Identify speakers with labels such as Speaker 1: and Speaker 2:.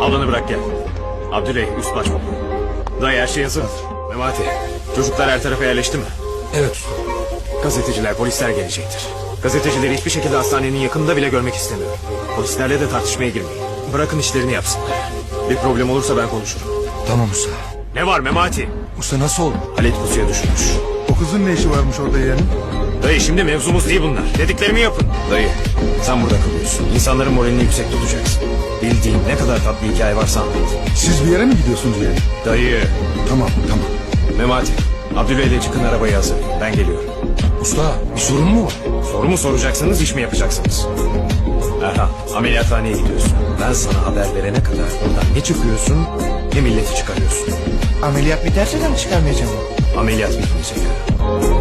Speaker 1: Ablanı bırak gel. Abdüley üst baş baba. Dayı her şey hazır. Memati, çocuklar her tarafa yerleşti mi?
Speaker 2: Evet usta.
Speaker 1: Gazeteciler, polisler gelecektir. Gazetecileri hiçbir şekilde hastanenin yakınında bile görmek istemiyorum. Polislerle de tartışmaya girmeyin. Bırakın işlerini yapsınlar. Bir problem olursa ben konuşurum.
Speaker 2: Tamam usta.
Speaker 1: Ne var Memati?
Speaker 2: Usta nasıl oldu?
Speaker 1: Halit pusuya düşmüş.
Speaker 3: O kızın ne işi varmış orada yeğenim?
Speaker 1: Dayı şimdi mevzumuz değil bunlar. Dediklerimi yapın. Dayı sen burada kalıyorsun. İnsanların moralini yüksek tutacaksın. Bildiğin ne kadar tatlı hikaye varsa anlat.
Speaker 3: Siz bir yere mi gidiyorsunuz yeğenim?
Speaker 1: Dayı.
Speaker 3: Tamam tamam.
Speaker 1: Memati. Abdüley'le çıkın arabayı hazır. Ben geliyorum.
Speaker 2: Usta bir sorun mu var?
Speaker 1: Soru mu soracaksınız, iş mi yapacaksınız? Erhan, ameliyathaneye gidiyorsun. Ben sana haber verene kadar buradan ne çıkıyorsun ne milleti çıkarıyorsun.
Speaker 4: Ameliyat biterse de mi çıkarmayacağım?
Speaker 1: Ameliyat bitmeyecek.